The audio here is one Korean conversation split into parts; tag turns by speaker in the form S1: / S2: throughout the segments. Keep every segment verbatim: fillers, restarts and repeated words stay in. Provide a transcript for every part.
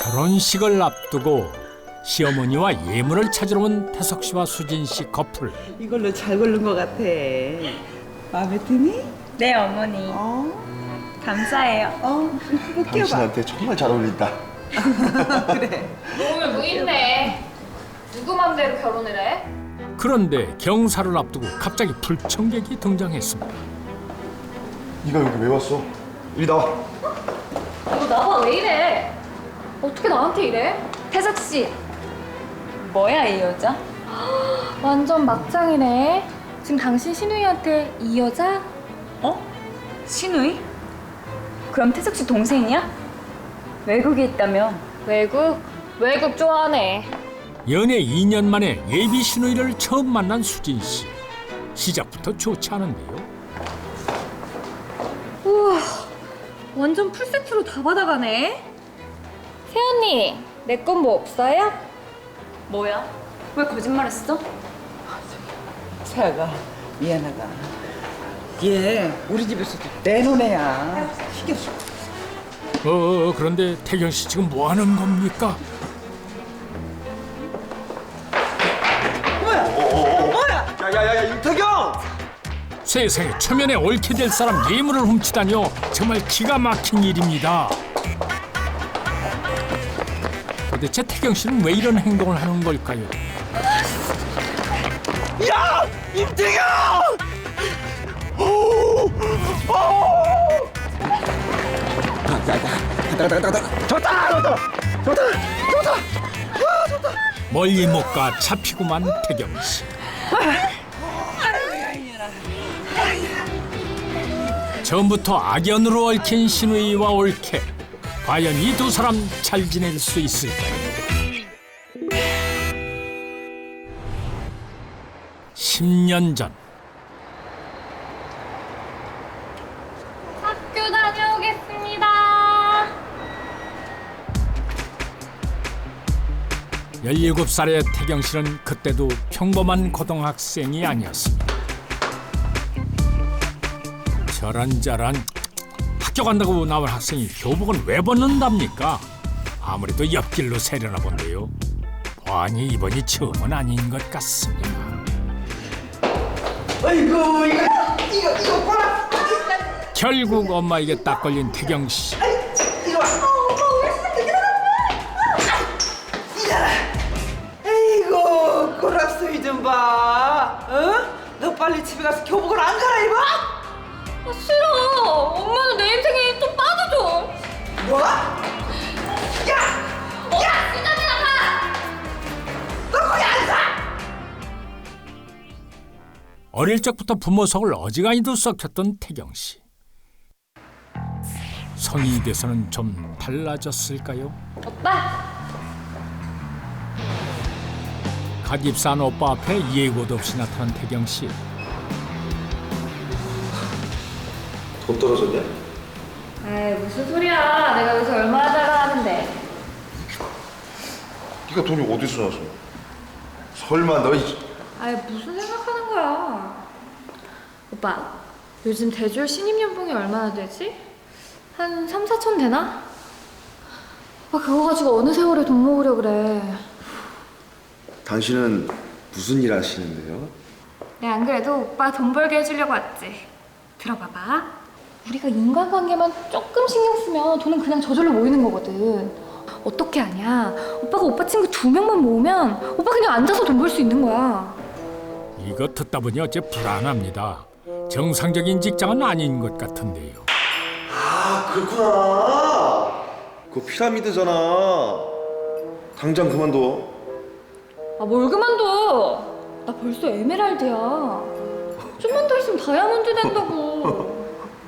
S1: 결혼식을 앞두고 시어머니와 예물을 찾으러 온 태석 씨와 수진 씨 커플.
S2: 이걸로 잘 고른 것 같아. 마음에 드니?
S3: 네, 어머니.
S2: 어?
S3: 감사해요.
S2: 어? 이거 끼워봐.
S4: 당신한테 정말 잘 어울린다.
S2: 그래.
S5: 몸을 무인네. 누구 맘대로 결혼을 해?
S1: 그런데 경사를 앞두고 갑자기 불청객이 등장했습니다.
S4: 네가 여기 왜 왔어? 이리 나와.
S5: 너 나봐 왜 이래? 어떻게 나한테 이래?
S3: 태석 씨, 뭐야 이 여자?
S5: 완전 막장이네. 지금 당신 신우이한테 이 여자?
S3: 어? 신우이? 그럼 태석 씨 동생이야? 외국에 있다며?
S5: 외국? 외국 좋아하네.
S1: 연애 이 년 만에 예비 신우이를 처음 만난 수진 씨. 시작부터 좋지 않은데요.
S5: 우와, 완전 풀세트로 다 받아가네. 세연이, 내 건 뭐 없어요?
S3: 뭐야? 왜 거짓말했어?
S2: 세아가 미안하다. 얘 우리 집에서도 내놓은 애야. 신경 쓰.
S1: 어, 어 그런데 태경 씨 지금 뭐 하는 겁니까?
S2: 뭐야? 뭐야?
S4: 야야야야 임태경!
S1: 세상에 초면에 옳게 될 사람 예물을 훔치다니요. 정말 기가 막힌 일입니다. 도대체 태경 씨는 왜 이런 행동을 하는 걸까요?
S4: 야! 임태경!
S1: 멀리 못 가 잡히고만 태경 씨. 처음부터 악연으로 얽힌 신우이와 올케. 과연 이 두 사람 잘 지낼 수 있을까요? 십 년 전
S5: 학교 다녀오겠습니다.
S1: 열일곱 살의 태경 씨는 그때도 평범한 고등학생이 아니었습니다. 저런저런 학교 간다고 나온 학생이 교복을 왜 벗는답니까? 아무래도 옆길로 새려나 본데요. 보아니 이번이 처음은 아닌 것 같습니다.
S2: 아이고 이거 이거 이거 봐라.
S1: 결국 엄마에게 딱 걸린 태경 씨.
S2: 이리 와. 이잖아. 아이고 고락소이 좀 봐. 어? 너 빨리 집에 가서 교복을 안 갈아입어?
S5: 아, 싫어. 엄마는 내 인생에 좀 빠져줘.
S2: 뭐? 야!
S5: 야! 시간이나 가!
S2: 너 거기 안 가!
S1: 어릴 적부터 부모 속을 어지간히도 썩혔던 태경 씨. 성인이 돼서는 좀 달라졌을까요?
S5: 오빠!
S1: 갓 입사한 오빠 앞에 예고도 없이 나타난 태경 씨.
S4: 돈 떨어졌냐?
S5: 에이, 무슨 소리야. 내가 여기서 얼마나 잘 나가는데.
S4: 네가 돈이 어디서 나서? 설마 너 이...
S5: 아이, 무슨 생각하는 거야. 오빠, 요즘 대졸 신입연봉이 얼마나 되지? 한 삼, 사천 되나? 아, 그거 가지고 어느 세월에 돈 모으려 그래.
S4: 당신은 무슨 일 하시는데요?
S5: 내가 안 그래도 오빠 돈 벌게 해주려고 왔지. 들어봐봐. 우리가 인간관계만 조금 신경 쓰면 돈은 그냥 저절로 모이는 거거든. 어떻게 하냐? 오빠가 오빠 친구 두 명만 모으면 오빠 그냥 앉아서 돈 벌 수 있는 거야.
S1: 이거 듣다 보니 어째 불안합니다. 정상적인 직장은 아닌 것 같은데요.
S4: 아 그렇구나. 그거 피라미드잖아. 당장 그만둬.
S5: 아, 뭘 그만둬. 나 벌써 에메랄드야. 좀만 더 있으면 다이아몬드 된다고.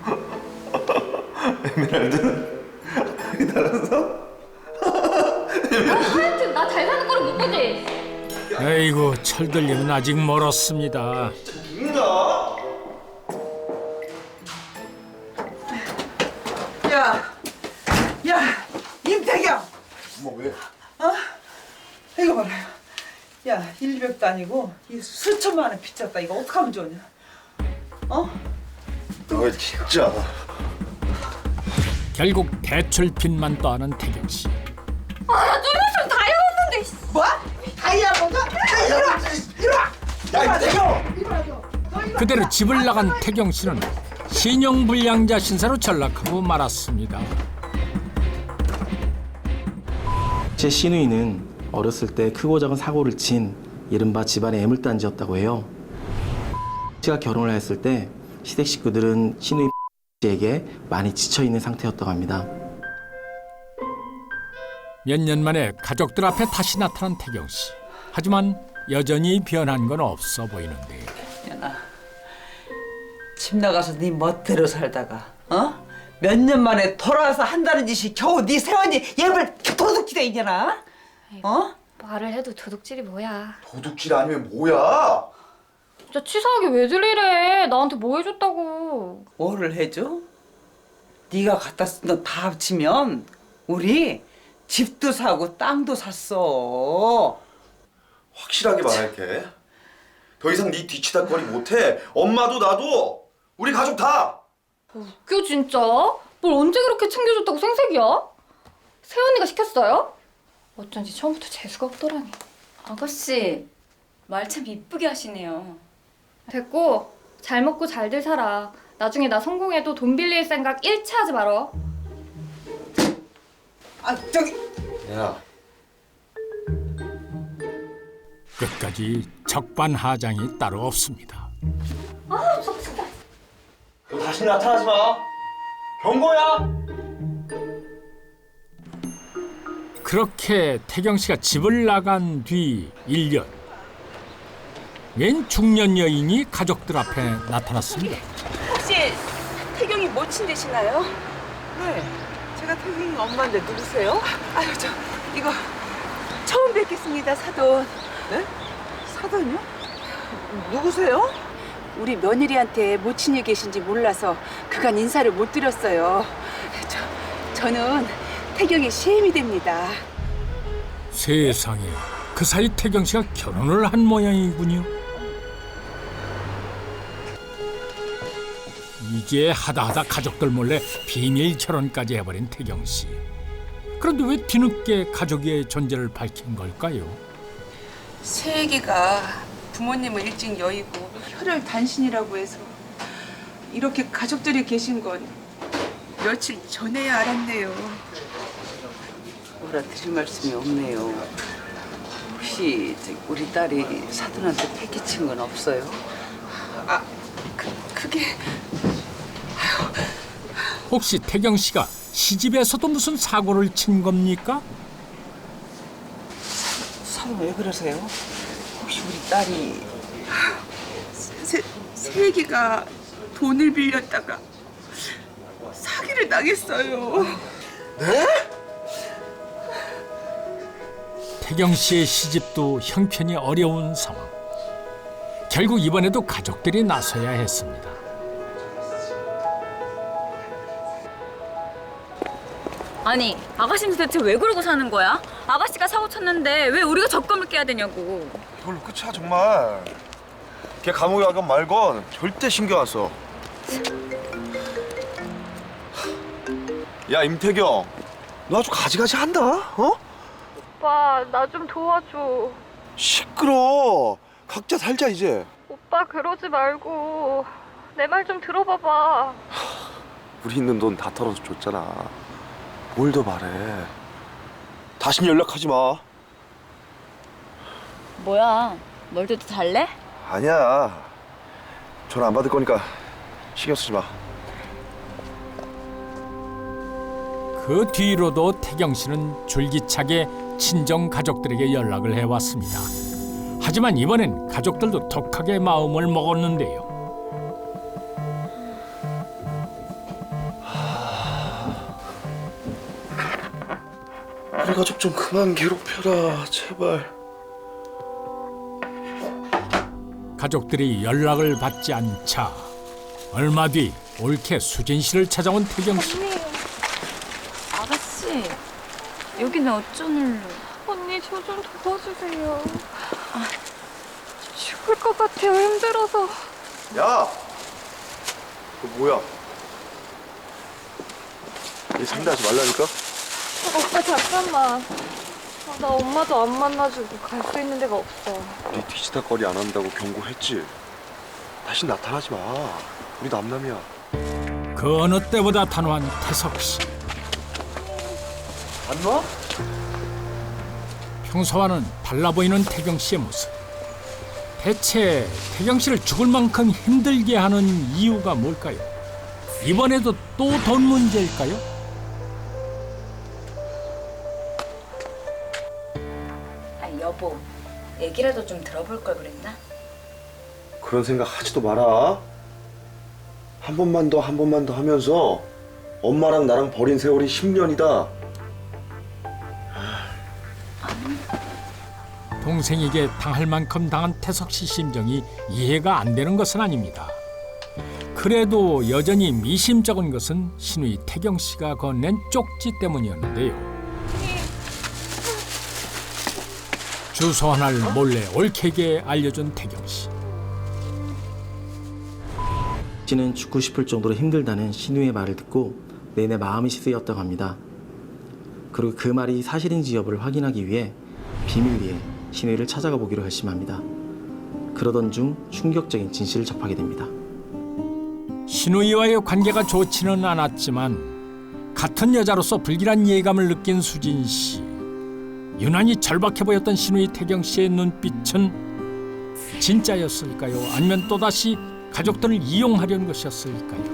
S4: 에메랄드는 달아서?
S5: 하여튼 나 잘 사는 거를 못 보지.
S1: 에이구 철들림은 아직 멀었습니다.
S4: 죽는다.
S2: 야, 야, 임태경.
S4: 엄마 왜?
S2: 어? 이거 봐라. 야, 일백도 아니고 이 수천만 원 빚졌다. 이거 어떡하면 좋냐? 어?
S4: 너 진짜.
S1: 결국 대출빚만 떠안은 태경 씨.
S5: 아,
S2: 다이아몬드.
S4: 야, 이태경!
S1: 그대로 집을 나간 태경 씨는 신용불량자 신세로 전락하고 말았습니다.
S6: 제 시누이는 어렸을 때 크고 작은 사고를 친 이른바 집안의 애물단지였다고 해요. 씨가 결혼을 했을 때 시댁 식구들은 시누이 씨에게 많이 지쳐있는 상태였다고 합니다.
S1: 몇 년 만에 가족들 앞에 다시 나타난 태경 씨. 하지만 여전히 변한 건 없어 보이는데.
S2: 연아, 집 나가서 네 멋대로 살다가 어? 몇 년 만에 돌아와서 한다는 짓이 겨우 네 세원이 얘를 도둑질해 이년아? 어?
S5: 말을 해도 도둑질이 뭐야.
S4: 도둑질 아니면 뭐야?
S5: 진짜 치사하게 왜 들리래. 나한테 뭐 해줬다고.
S2: 뭐를 해줘? 네가 갖다 쓴 돈 다 합치면 우리 집도 사고 땅도 샀어.
S4: 확실하게 말할게. 더 이상 네 뒤치다거리 못해. 엄마도 나도 우리 가족 다.
S5: 웃겨 진짜. 뭘 언제 그렇게 챙겨줬다고 생색이야? 세언니가 시켰어요? 어쩐지 처음부터 재수가 없더라니.
S3: 아가씨, 말 참 이쁘게 하시네요.
S5: 됐고 잘 먹고 잘들 살아. 나중에 나 성공해도 돈 빌릴 생각 일체 하지 말어.
S2: 아 저기
S4: 야,
S1: 끝까지 적반하장이 따로 없습니다.
S4: 너 다시 나타나지 마. 경고야.
S1: 그렇게 태경 씨가 집을 나간 뒤 일 년. 웬 중년 여인이 가족들 앞에 나타났습니다.
S7: 혹시 태경이 모친 되시나요?
S2: 네, 제가 태경이 엄마인데 누구세요?
S7: 아유 저 이거 처음 뵙겠습니다 사돈.
S2: 네? 사돈이요? 누구세요?
S7: 우리 며느리한테 모친이 계신지 몰라서 그간 인사를 못 드렸어요. 저 저는 태경의 시엠이 됩니다.
S1: 세상에, 그 사이 태경 씨가 결혼을 한 모양이군요. 이제 하다하다 가족들 몰래 비밀 결혼까지 해버린 태경 씨. 그런데 왜 뒤늦게 가족의 존재를 밝힌 걸까요?
S7: 새애기가 부모님을 일찍 여의고 혈혈 단신이라고 해서 이렇게 가족들이 계신 건 며칠 전에야 알았네요.
S2: 뭐라 드릴 말씀이 없네요. 혹시 저기 우리 딸이 사돈한테 패기친 건 없어요?
S7: 아, 그, 그게
S1: 혹시 태경 씨가 시집에서도 무슨 사고를 친 겁니까?
S2: 사돈 왜 그러세요? 혹시 우리 딸이
S7: 새, 새애기가 돈을 빌렸다가 사기를 당했어요.
S1: 태경 씨의 시집도 형편이 어려운 상황. 결국 이번에도 가족들이 나서야 했습니다.
S3: 아니, 아가씨는 대체 왜 그러고 사는 거야? 아가씨가 사고 쳤는데 왜 우리가 적금을 깨야 되냐고.
S4: 이걸로 끝이야 정말. 걔 감옥에 가건 말건 절대 신경 안 써. 야 임태경, 너 아주 가지가지 한다. 어?
S5: 오빠 나 좀 도와줘.
S4: 시끄러. 각자 살자 이제.
S5: 오빠 그러지 말고 내 말 좀 들어봐봐.
S4: 우리 있는 돈 다 털어서 줬잖아. 뭘 더 바래. 다신 연락하지 마.
S3: 뭐야, 멀대도 달래?
S4: 아니야. 전화 안 받을 거니까 신경 쓰지 마.
S1: 그 뒤로도 태경 씨는 줄기차게 친정 가족들에게 연락을 해왔습니다. 하지만 이번엔 가족들도 독하게 마음을 먹었는데요.
S4: 우리 가족 좀 그만 괴롭혀라 제발.
S1: 가족들이 연락을 받지 않자 얼마 뒤 올케 수진 씨를 찾아온 태경 씨.
S3: 아가씨, 여기는 어쩐 일로?
S5: 언니 저 좀 도와주세요. 아, 죽을 것 같아요. 힘들어서.
S4: 야, 그거 뭐야? 얘 상대하지 말라니까?
S5: 오빠 잠깐만. 아, 나 엄마도 안 만나주고 갈 수 있는 데가 없어.
S4: 네 뒤치다거리 안 한다고 경고했지. 다시 나타나지 마. 우리 남남이야.
S1: 그 어느 때보다 단호한 태석 씨.
S4: 안 놔?
S1: 평소와는 달라 보이는 태경 씨의 모습. 대체 태경 씨를 죽을 만큼 힘들게 하는 이유가 뭘까요? 이번에도 또 돈 문제일까요?
S3: 아니 여보, 얘기라도 좀 들어볼 걸 그랬나?
S4: 그런 생각 하지도 마라. 한 번만 더 한 번만 더 하면서 엄마랑 나랑 버린 세월이 십 년이다.
S1: 동생에게 당할 만큼 당한 태석 씨 심정이 이해가 안 되는 것은 아닙니다. 그래도 여전히 미심쩍은 것은 시누이 태경 씨가 건넨 쪽지 때문이었는데요. 주소 하나를 몰래 옳게게 알려준 태경 씨.
S6: 씨는 죽고 싶을 정도로 힘들다는 신우의 말을 듣고 내내 마음이 쓰였다고 합니다. 그리고 그 말이 사실인지 여부를 확인하기 위해 비밀리에 신우이를 찾아가 보기로 결심합니다. 그러던 중 충격적인 진실을 접하게 됩니다.
S1: 시누이와의 관계가 좋지는 않았지만 같은 여자로서 불길한 예감을 느낀 수진 씨. 유난히 절박해 보였던 시누이 태경 씨의 눈빛은 진짜였을까요? 아니면 또다시 가족들을 이용하려는 것이었을까요?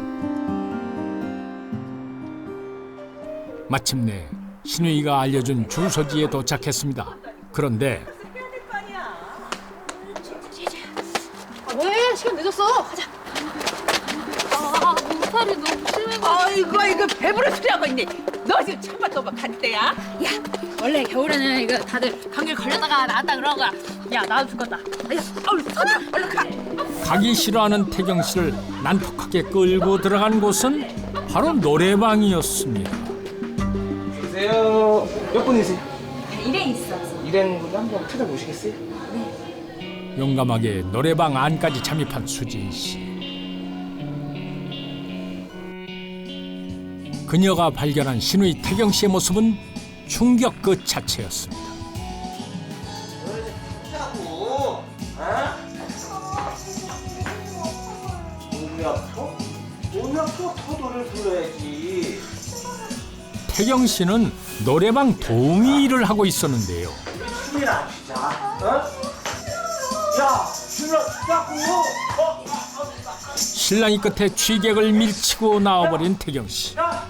S1: 마침내 시누이가 알려준 주소지에 도착했습니다. 그런데
S7: 왜? 시간 늦었어. 가자.
S5: 아, 몸살이 너무 심해가지고.
S7: 아이고 이거 배부른 소리 하고 있네. 너 지금 참바 또막갈 때야?
S3: 야, 원래 겨울에는 이거 다들 감기 걸렸다가 나왔다 그러는 거야. 야, 나도 죽겠다.
S7: 야, 얼른 서자. 얼른 가.
S1: 가기 싫어하는 태경 씨를 난폭하게 끌고 들어간 곳은 바로 노래방이었습니다.
S6: 주세요. 몇 분이세요?
S3: 일에 있어.
S6: 일하는 분들 한번 찾아보시겠어요?
S1: 용감하게 노래방 안까지 잠입한 수진 씨. 그녀가 발견한 시누이 태경 씨의 모습은 충격 그 자체였습니다.
S6: 몸이 아파? 몸이 아파? 터도를 불러야지.
S1: 태경 씨는 노래방 도우미 일을 하고 있었는데요.
S6: 춤이나 추자. 어? 야, 춤을 추자고. 어?
S1: 신랑이 끝에 취객을 밀치고 나와버린 태경 씨.
S6: 야,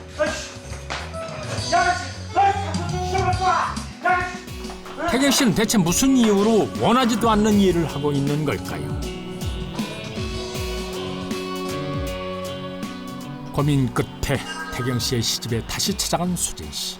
S6: 아이씨. 야, 아이씨. 춤을 춰. 야,
S1: 태경 씨는 대체 무슨 이유로 원하지도 않는 일을 하고 있는 걸까요? 고민 끝에 태경 씨의 시집에 다시 찾아간 수진 씨.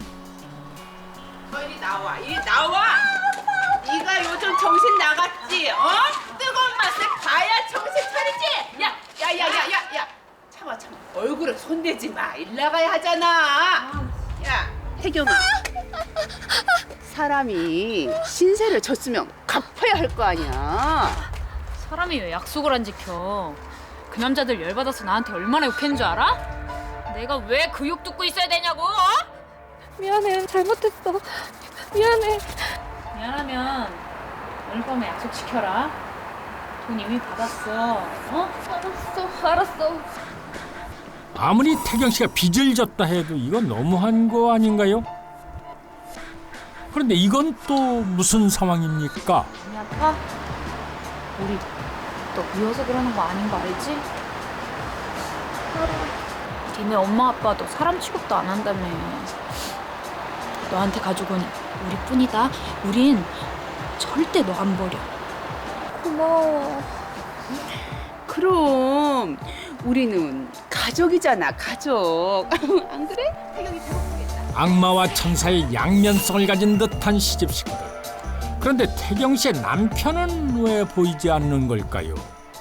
S7: 이리 나와. 이리 나와. 네가 요즘 정신 나갔지? 어? 뜨거운 맛을 봐야 정신 차리지? 야, 야, 야, 야, 야, 야. 참아, 참아. 얼굴에 손대지 마. 일 나가야 하잖아. 야, 태경아. 사람이 신세를 졌으면 갚아야 할 거 아니야.
S3: 사람이 왜 약속을 안 지켜? 그 남자들 열받아서 나한테 얼마나 욕했는 줄 알아? 내가 왜 그 욕 듣고 있어야 되냐고? 어?
S5: 미안해, 잘못했어. 미안해.
S3: 미안하면 오늘 밤에 약속 지켜라. 돈 이미 받았어. 어?
S5: 알았어, 알았어.
S1: 아무리 태경 씨가 빚을 졌다 해도 이건 너무한 거 아닌가요? 그런데 이건 또 무슨 상황입니까?
S3: 많이 아파? 우리 너 미워서 그러는 거 아닌 거 알지? 니네 엄마 아빠도 사람 취급도 안 한다며. 너한테 가족은 우리뿐이다. 우린 절대 너 안 버려.
S5: 고마워.
S7: 그럼 우리는 가족이잖아, 가족. 안 그래? 태경이 배고프겠다.
S1: 악마와 천사의 양면성을 가진 듯한 시집 식구들. 그런데 태경 씨의 남편은 왜 보이지 않는 걸까요?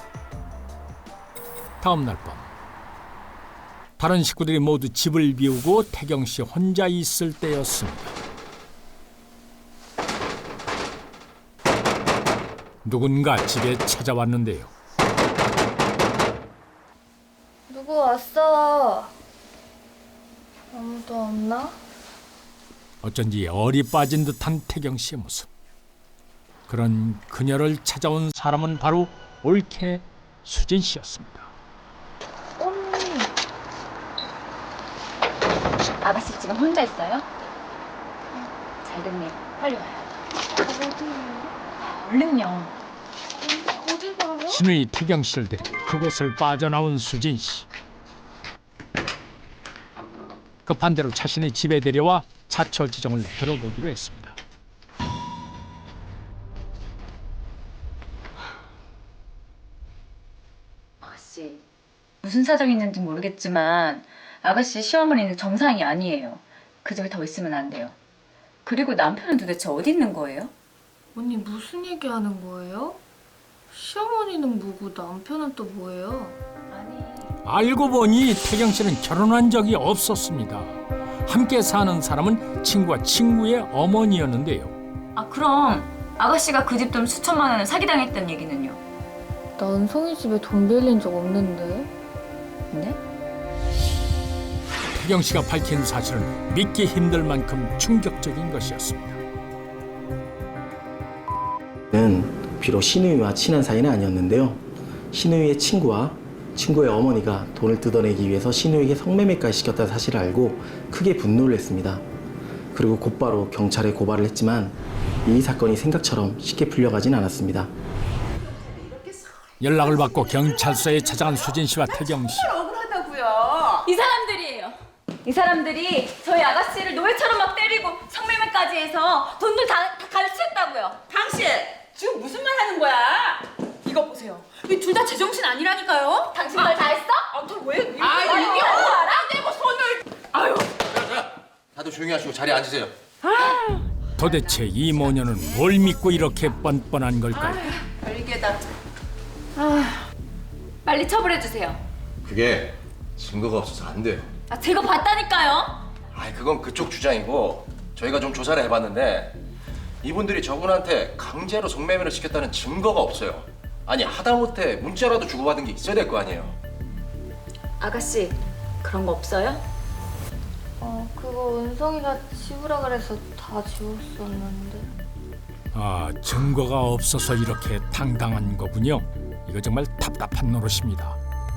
S1: 다음 날 밤, 다른 식구들이 모두 집을 비우고 태경 씨 혼자 있을 때였습니다. 누군가 집에 찾아왔는데요.
S5: 누구 왔어? 아무도 없나?
S1: 어쩐지 얼이 빠진 듯한 태경 씨의 모습. 그런 그녀를 찾아온 사람은 바로 올케 수진 씨였습니다.
S5: 언니. 아가씨 지금 혼자 있어요? 잘 됐네. 빨리 와요. 어디요? 얼른요. 어디 가요?
S1: 신우이 태경 씨를 데리고 그곳을 빠져나온 수진 씨. 급한 대로 자신의 집에 데려와 차철 지정을 들어보기로 했습니다.
S8: 아가씨, 무슨 사정이 있는지 모르겠지만 아가씨 시어머니는 정상이 아니에요. 그 저기 더 있으면 안 돼요. 그리고 남편은 도대체 어디 있는 거예요?
S5: 언니 무슨 얘기하는 거예요? 시어머니는 뭐고 남편은 또 뭐예요?
S8: 아니,
S1: 알고 보니 태경 씨는 결혼한 적이 없었습니다. 함께 사는 사람은 친구와 친구의 어머니였는데요.
S8: 아 그럼 아가씨가 그 집 돈 수천만 원을 사기당했다는 얘기는요?
S5: 나 은성이 집에 돈 빌린 적 없는데.
S8: 네?
S1: 태경 씨가 밝힌 사실은 믿기 힘들 만큼 충격적인 것이었습니다.
S6: 는 비록 신우이와 친한 사이는 아니었는데요. 신우이의 친구와 친구의 어머니가 돈을 뜯어내기 위해서 신우이에게 성매매까지 시켰다는 사실을 알고 크게 분노를 했습니다. 그리고 곧바로 경찰에 고발을 했지만 이 사건이 생각처럼 쉽게 풀려가진 않았습니다.
S1: 연락을 받고 경찰서에 찾아간 수진 씨와 태경 씨.
S7: 억울하다고요.
S8: 이 사람들이에요. 이 사람들이 저희 아가씨를 노예처럼 막 때리고 성매매까지 해서 돈도 다, 다 가르쳤다고요.
S7: 당신 지금 무슨 말 하는 거야? 이거 보세요. 이 둘 다 제정신 아니라니까요.
S8: 당신 말 다 했어?
S7: 아, 또 왜? 이렇게
S8: 아,
S7: 말이야?
S8: 이게 알아?
S7: 내고 손을. 아유.
S9: 다들 조용히 하시고 자리에 앉으세요.
S1: 도대체 이 모녀는 뭘 믿고 이렇게 뻔뻔한 걸까요?
S7: 별개다.
S8: 빨리 처벌해주세요.
S9: 그게 증거가 없어서 안 돼요.
S8: 아, 제가 봤다니까요.
S9: 아이 그건 그쪽 주장이고 저희가 좀 조사를 해봤는데 이분들이 저분한테 강제로 성매매를 시켰다는 증거가 없어요. 아니 하다못해 문자라도 주고받은 게 있어야 될 거 아니에요.
S8: 아가씨, 그런 거 없어요?
S5: 어, 그거 은성이가 지우라 그래서 다 지웠었는데.
S1: 아, 증거가 없어서 이렇게 당당한 거군요. 이거 정말 답답한 노릇입니다.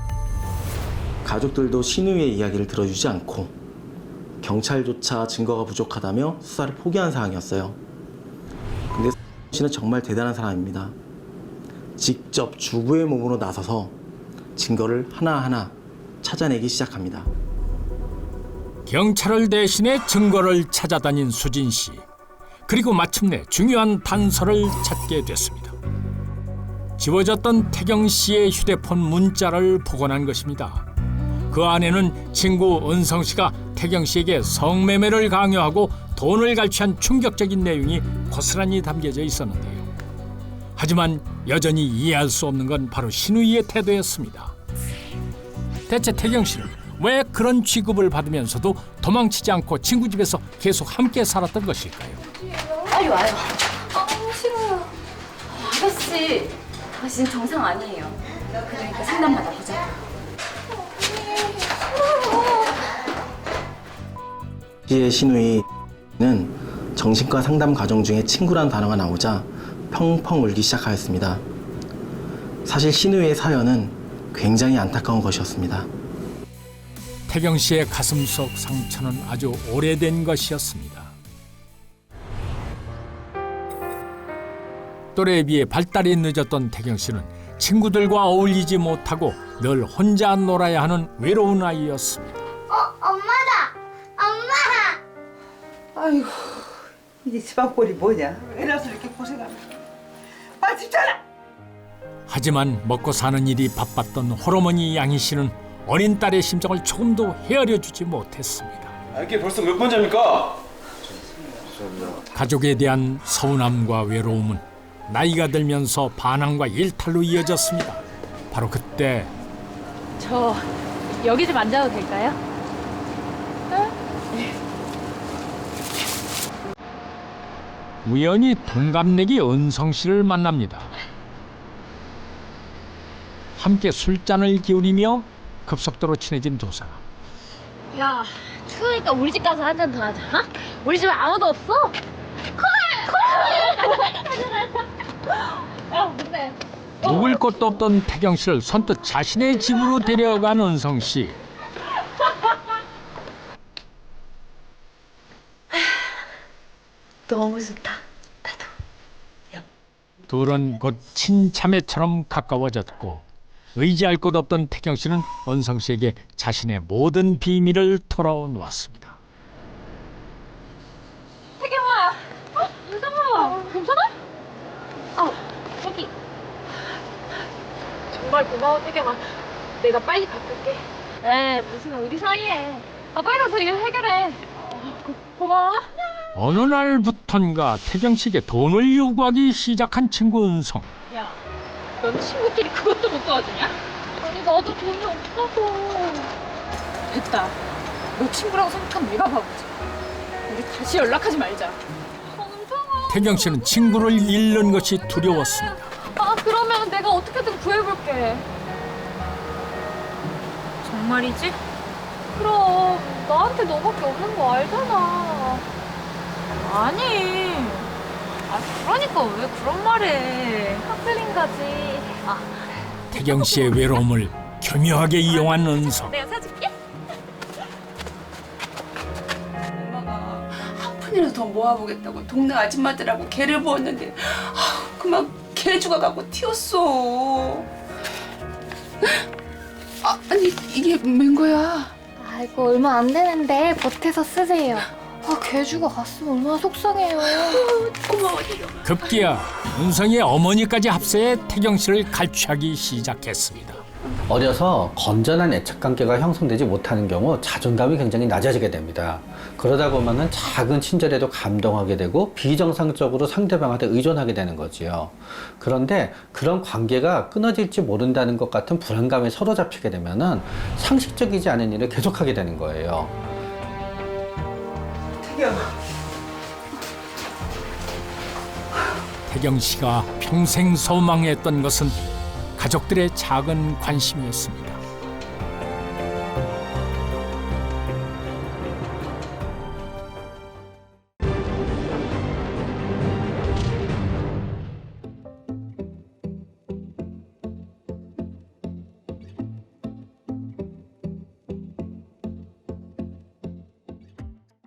S6: 가족들도 신우이의 이야기를 들어주지 않고 경찰조차 증거가 부족하다며 수사를 포기한 상황이었어요. 근데 씨는 정말 대단한 사람입니다. 직접 주부의 몸으로 나서서 증거를 하나하나 찾아내기 시작합니다.
S1: 경찰을 대신해 증거를 찾아다닌 수진 씨. 그리고 마침내 중요한 단서를 찾게 됐습니다. 지워졌던 태경 씨의 휴대폰 문자를 복원한 것입니다. 그 안에는 친구 은성 씨가 태경 씨에게 성매매를 강요하고 돈을 갈취한 충격적인 내용이 고스란히 담겨져 있었는데요. 하지만 여전히 이해할 수 없는 건 바로 신우이의 태도였습니다. 대체 태경 씨는 왜 그런 취급을 받으면서도 도망치지 않고 친구 집에서 계속 함께 살았던 것일까요?
S8: 빨리 와요.
S5: 아, 싫어요.
S8: 아가씨, 아가씨는 정상 아니에요. 그러니까 상담 받아보자.
S6: 시의 신우이는 정신과 상담 과정 중에 친구란 단어가 나오자 펑펑 울기 시작하였습니다. 사실 신우이의 사연은 굉장히 안타까운 것이었습니다.
S1: 태경 씨의 가슴 속 상처는 아주 오래된 것이었습니다. 또래에 비해 발달이 늦었던 태경 씨는 친구들과 어울리지 못하고 늘 혼자 놀아야 하는 외로운 아이였습니다.
S2: 아이고, 이제 집안꼴이 뭐냐? 이래서 이렇게 고생하면. 빨리 집 차려!
S1: 하지만 먹고 사는 일이 바빴던 홀어머니 양희 씨는 어린 딸의 심정을 조금도 헤아려 주지 못했습니다.
S4: 아, 이게 벌써 몇 번째입니까?
S1: 가족에 대한 서운함과 외로움은 나이가 들면서 반항과 일탈로 이어졌습니다. 바로 그때
S3: 저 여기 좀 앉아도 될까요?
S1: 우연히 동갑내기 은성 씨를 만납니다. 함께 술잔을 기울이며 급속도로 친해진 두 사람.
S5: 야, 추우니까 우리 집 가서 한 잔 더 하자. 어?
S3: 우리 집에 아무도 없어?
S1: 묵을 곳도 없던 태경 씨를 선뜻 자신의 집으로 데려간 은성 씨.
S2: 너무 좋다. 나도.
S1: 둘은 곧 친자매처럼 가까워졌고 의지할 곳 없던 태경 씨는 은성 씨에게 자신의 모든 비밀을 털어놓았습니다.
S5: 태경아! 어? 은성아! 괜찮아? 아, 여기. 정말 고마워, 태경아. 내가 빨리 바꿀게. 에, 무슨 우리 사이에. 아, 빨리 가서 이거 해결해. 어, 고, 고마워.
S1: 어느 날부턴가 태경 씨에게 돈을 요구하기 시작한 친구 은성.
S3: 야, 넌 친구끼리 그것도 못 도와주냐?
S5: 아니, 나도 돈이 없어서.
S3: 됐다. 너 친구라고 생각하면 내가 바보지. 우리 다시 연락하지 말자.
S5: 은성아.
S1: 태경 씨는 친구를 잃는 것이 두려웠습니다.
S5: 아, 그러면 내가 어떻게든 구해볼게.
S3: 정말이지?
S5: 그럼, 나한테 너밖에 없는 거 알잖아.
S3: 아니. 아, 그러니까 왜 그런 말해.
S5: 하슬인가지. 아,
S1: 태경 씨의 외로움을 교묘하게 이용한 은성.
S5: 내가 사줄게.
S7: 엄마가 한 푼이라도 더 모아보겠다고 동네 아줌마들하고 개를 부었는데 아, 그만 개 죽어가고 튀었어. 아, 아니 이게 웬 거야?
S5: 아이고, 얼마 안 되는데 보태서 쓰세요. 아, 개주가 갔으면 얼마나 속상해요.
S7: 고마워 태경아.
S1: 급기야 은성의 어머니까지 합세해 태경 씨를 갈취하기 시작했습니다.
S10: 어려서 건전한 애착관계가 형성되지 못하는 경우 자존감이 굉장히 낮아지게 됩니다. 그러다 보면은 작은 친절에도 감동하게 되고 비정상적으로 상대방한테 의존하게 되는 거지요. 그런데 그런 관계가 끊어질지 모른다는 것 같은 불안감에 사로잡히게 되면은 상식적이지 않은 일을 계속하게 되는 거예요.
S2: 태경.
S1: 태경 씨가 평생 소망했던 것은 가족들의 작은 관심이었습니다.